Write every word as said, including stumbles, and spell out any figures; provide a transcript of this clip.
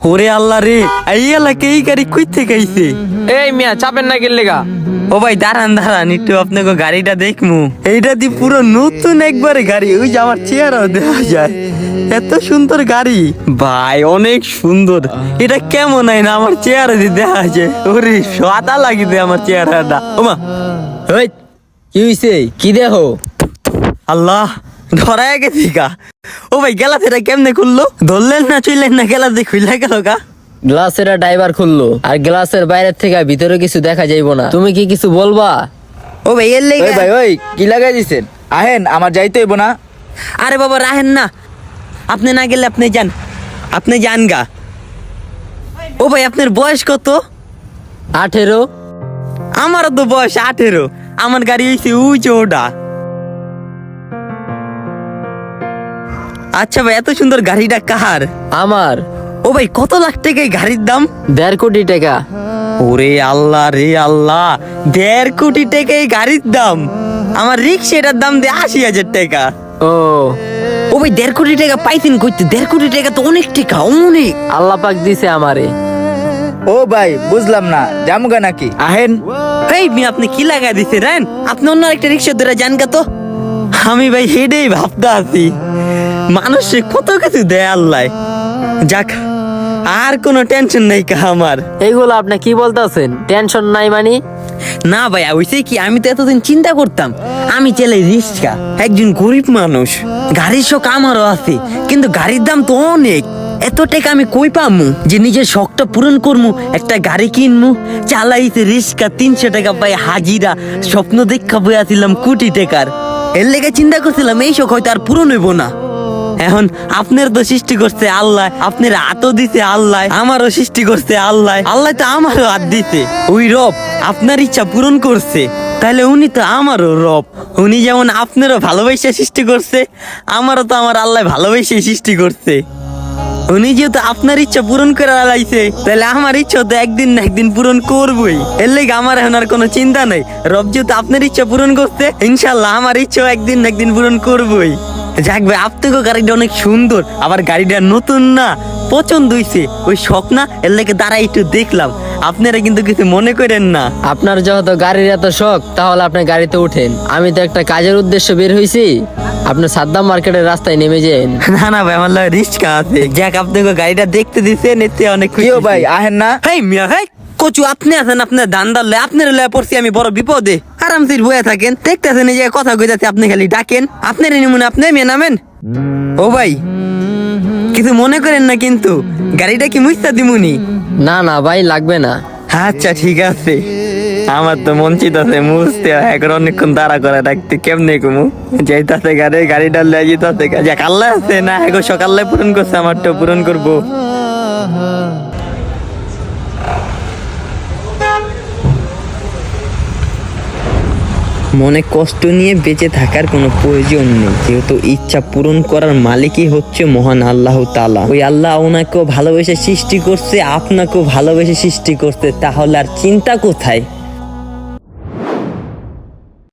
ওরে আল্লাহ রে, এই এলাকা এই গাড়ি কই থেকে আইছে? এই মিয়া চাপেন না গেলে গা। ও ভাই দাঁড়ান দাঁড়ান, একটু আপনাকে গাড়িটা দেখমু। এইটা দি পুরো নতুন একবারে গাড়ি, ওই যে আমার চেহারাও দেখা যায়। এত সুন্দর গাড়ি ভাই, অনেক সুন্দর। এটা কেমন হয় না আমার চেহারা দিয়ে দেখা যায়? ওরে সাদা লাগিতে আমার চেহারাটা। ওমা ওই কি হইছে? কি দেখো? আল্লাহ, ধরায় গেছি গা। ও ভাই গেলা ফেরা কেমনে খুললো? ধরলেন না চইলেন না, গেলা দিয়ে খুলে গেল গা। গ্লাসের ড্রাইভার খুললো, আর গ্লাসের বাইরের থেকে ভিতরে কিছু দেখা যাইবো না। তুমি কি কিছু বলবা? ও ভাই এর লেগে। ওই ভাই ওই কি লাগাই দিছেন? আহেন, আমার যাইতে হইব না। আরে বাবা রাহেন না, আপনি না গেলে আপনি যান, আপনি যান গা। ও ভাই আপনার বয়স কত? আঠেরো। আমারও তো বয়স আঠেরো। আমার গাড়ি হয়েছে উঁচু ওটা। আচ্ছা ভাই, এত সুন্দর গাড়িটা কার? আমার। ও ভাই কত লাখ টাকা এই গাড়ির দাম? দেড় কোটি টাকা। ওরে আল্লাহ রে আল্লাহ, দেড় কোটি টাকা এই গাড়ির দাম। আমার রিক্সাটার দাম দিয়ে আশি হাজার টাকা। ও ও ভাই দেড় কোটি টাকা পাইতেন কইতে? দেড় কোটি টাকা তো অনেক টাকা, অনেক। আল্লাহ পাক দিছে আমারে। ও ভাই বুঝলাম না, জামুগা নাকি? আহেন। এই মি আপনি কি লাগাই দিছে রেন? আপনি অন্য একটা রিক্সা ধরে যান গা তো। আমি ভাই হেডেই ভাবতে আছি, মানুষে কত কিছু দেয় আল্লাহ। যাক, আর কোনো টেনশন নাই কা আমার। এইগুলো আপনি কি বলতেছেন? টেনশন নাই মানে? না ভাই হইছে কি, আমি তো এতদিন চিন্তা করতাম আমি চালাই রিক্সা, একজন গরিব মানুষ, গাড়ির শখ আমারও আছে, কিন্তু গাড়ির দাম তো অনেক। এত টাকা আমি কই পামু যে নিজের শখটা পূরণ করমু, একটা গাড়ি কিনমু? চালাইতে রিক্সা, তিনশো টাকা পাই হাজিরা, স্বপ্ন দেখা বই আসিলাম কোটি টাকার। এর লেগে চিন্তা করছিলাম এই শখ হয়তো আর পূরণ হইব না। এখন আপনার তো সৃষ্টি করছে আল্লাহ, আপনার হাতও দিছে আল্লাহ, আমারও সৃষ্টি করছে আল্লাহ, আল্লাহ তো আমারও হাত দিছে। ওই রব আপনার ইচ্ছা পূরণ করছে, তাহলে উনি তো আমারও রব। উনি যেমন আপনারও ভালোবাসা সৃষ্টি করছে, আমারও তো আমার আল্লাহ ভালোবাসা সৃষ্টি করছে। উনি যেহেতু আপনার ইচ্ছা পূরণ করে লাইছে, তাহলে আমার ইচ্ছা তো একদিন না একদিন পূরণ করবই। এর লেগে আমার এখন আর কোনো চিন্তা নাই। রব যেহেতু আপনার ইচ্ছা পূরণ করছে, ইনশাল্লাহ আমার ইচ্ছাও একদিন না একদিন পূরণ করবই। যাক ভাই, আপনাকে গাড়িটা অনেক সুন্দর, আবার গাড়িটা নতুন না, পছন্দ হইছে। ওই শখ না, এর লেগে দাঁড়াই একটু দেখলাম। আপনারা কিন্তু কিছু মনে করেন না। আপনার যেহেতু গাড়ির এত শখ, তাহলে আপনি গাড়িতে উঠেন। আমি তো একটা কাজের উদ্দেশ্যে বের হইছি, আপনি সাদ্দাম মার্কেটের রাস্তায় নেমে যান। না না ভাই, আমার লাগে রিস্ক আছে। যাক, আপনাকে গাড়িটা দেখতে দিছেন, এতে অনেক খুশি। কিও ভাই আহেন না। হেই মিয়া হেই, কচু আপনি আছেন, আপনার ধান্দার লয়, আপনার লয় পড়ছি আমি বড় বিপদে। আরামসে বয়ে থাকেন, দেখতেছেন এই যে কথা কইতাছে, আপনি খালি ডাকেন। আপনার নিমুন, আপনি মেয়ে নামেন। ও ভাই কিছু মনে করেন না কিন্তু, গাড়িটা কি মুস্তা দিমুনি? না না ভাই, লাগবে না। আচ্ছা ঠিক আছে। আমার তো মন চিতাছে মুছতে, এখন অনেকক্ষণ দাঁড়া করে রাখতে, কেমনে কমু যাইতাছে গাড়ি, গাড়িটা লয়ে যেতাছে। যাক আল্লাহ আছে না, এখন সকালে পূরণ করছে, আমারটা পূরণ করবো। মনে কষ্ট নিয়ে বেঁচে থাকার কোনো প্রয়োজন নেই, যেহেতু ইচ্ছা পূরণ করার মালিকই হচ্ছে মহান আল্লাহ তাআলা। ওই আল্লাহ ওনাকেও ভালোবেসে সৃষ্টি করছে, আপনাকেও ভালোবেসে সৃষ্টি করছে, তাহলে আর চিন্তা কোথায়?